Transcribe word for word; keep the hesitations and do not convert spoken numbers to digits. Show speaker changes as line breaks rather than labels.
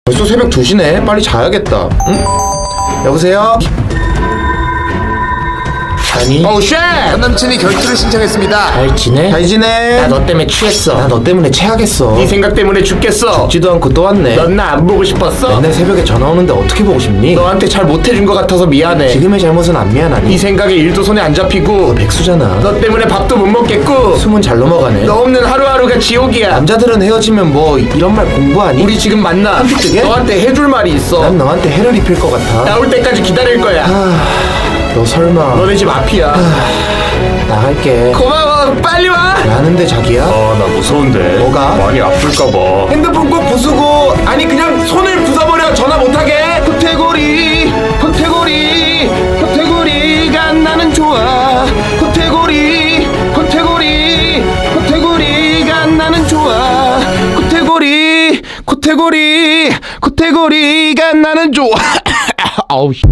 벌써 새벽 두 시네. 빨리 자야겠다. 응? 여보세요? 아니.
어우 쉣! 전 남친이 결투를 신청했습니다.
잘 지내? 잘 지내.
나 너 때문에 취했어.
나 너 때문에 체하겠어.
네 생각 때문에 죽겠어.
죽지도 않고 또 왔네.
넌 나 안 보고 싶었어?
맨날 새벽에 전화 오는데 어떻게 보고 싶니?
너한테 잘 못해준 것 같아서 미안해.
지금의 잘못은 안 미안하니?
네 생각에 일도 손에 안 잡히고
너 백수잖아.
너 때문에 밥도 못 먹겠고
숨은 잘 넘어가네.
너 없는 하루하루가 지옥이야.
남자들은 헤어지면 뭐 이런 말 공부하니?
우리 지금 만나.
한빛뜨게?
너한테 해줄 말이 있어.
난 너한테 해를 입힐 것 같아.
나올 때까지 기다릴 거야.
너 설마.
너네 집 앞이야.
나갈게.
고마워. 빨리 와.
라는데 자기야?
아, 나 무서운데.
뭐가?
많이 아플까봐.
핸드폰 꼭 부수고, 아니 그냥 손을 부숴버려. 전화 못하게. 호태고리 호태고리 호태고리가 나는 좋아. 호태고리 호태고리 호태고리가 나는 좋아. 호태고리 호태고리 호태고리가 나는 좋아. 아우 씨.